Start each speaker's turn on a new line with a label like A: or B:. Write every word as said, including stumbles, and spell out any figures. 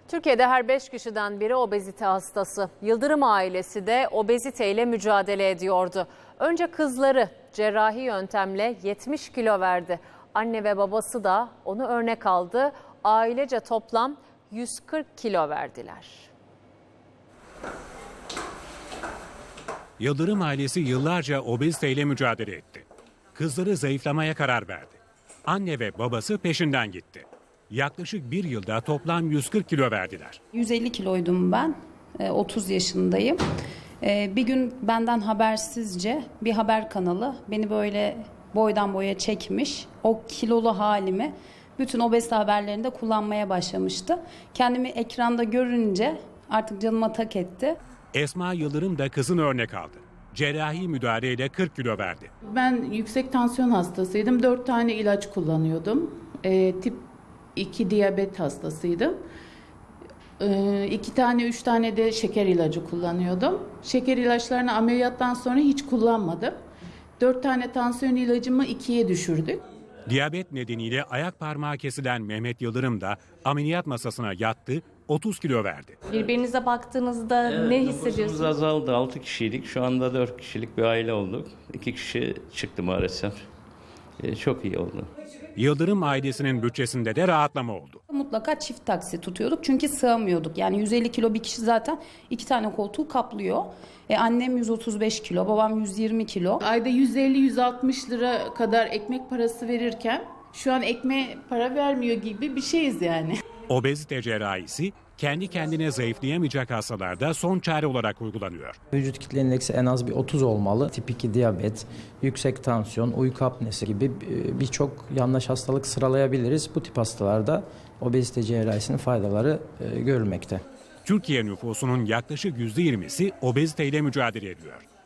A: Türkiye'de her beş kişiden biri obezite hastası. Yıldırım ailesi de obeziteyle mücadele ediyordu. Önce kızları cerrahi yöntemle yetmiş kilo verdi. Anne ve babası da onu örnek aldı. Ailece toplam yüz kırk kilo verdiler.
B: Yıldırım ailesi yıllarca obeziteyle mücadele etti. Kızları zayıflamaya karar verdi. Anne ve babası peşinden gitti. Yaklaşık bir yılda toplam yüz kırk kilo verdiler.
C: yüz elli kiloydum ben, otuz yaşındayım. Bir gün benden habersizce bir haber kanalı beni böyle boydan boya çekmiş. O kilolu halimi bütün obezite haberlerinde kullanmaya başlamıştı. Kendimi ekranda görünce artık canıma tak etti.
B: Esma Yıldırım da kızın örnek aldı. Cerrahi müdahaleyle kırk kilo verdi.
D: Ben yüksek tansiyon hastasıydım. dört tane ilaç kullanıyordum. E, tip iki diyabet hastasıydım. E, iki tane, üç tane de şeker ilacı kullanıyordum. Şeker ilaçlarını ameliyattan sonra hiç kullanmadım. dört tane tansiyon ilacımı ikiye düşürdük.
B: Diyabet nedeniyle ayak parmağı kesilen Mehmet Yıldırım da ameliyat masasına yattı, otuz kilo verdi.
E: Birbirinize baktığınızda
F: Evet,
E: ne
F: nüfusumuz
E: hissediyorsunuz?
F: azaldı. altı kişiydik. Şu anda dört kişilik bir aile olduk. iki kişi çıktı maalesef. Ee, çok iyi oldu.
B: Yıldırım ailesinin bütçesinde de rahatlama oldu.
C: Mutlaka çift taksi tutuyorduk çünkü sığamıyorduk. Yani yüz elli kilo bir kişi zaten iki tane koltuğu kaplıyor. E, annem yüz otuz beş kilo, babam yüz yirmi kilo.
D: Ayda yüz elli yüz altmış lira kadar ekmek parası verirken şu an ekmeğe para vermiyor gibi bir şeyiz yani.
B: Obezite cerrahisi kendi kendine zayıflayamayacak hastalarda son çare olarak uygulanıyor.
G: Vücut kitle indeksi en az bir otuz olmalı. Tip iki diyabet, yüksek tansiyon, uyku apnesi gibi birçok yanlış hastalık sıralayabiliriz. Bu tip hastalarda obezite cerrahisinin faydaları görülmekte.
B: Türkiye nüfusunun yaklaşık yüzde yirmisi obeziteyle mücadele ediyor.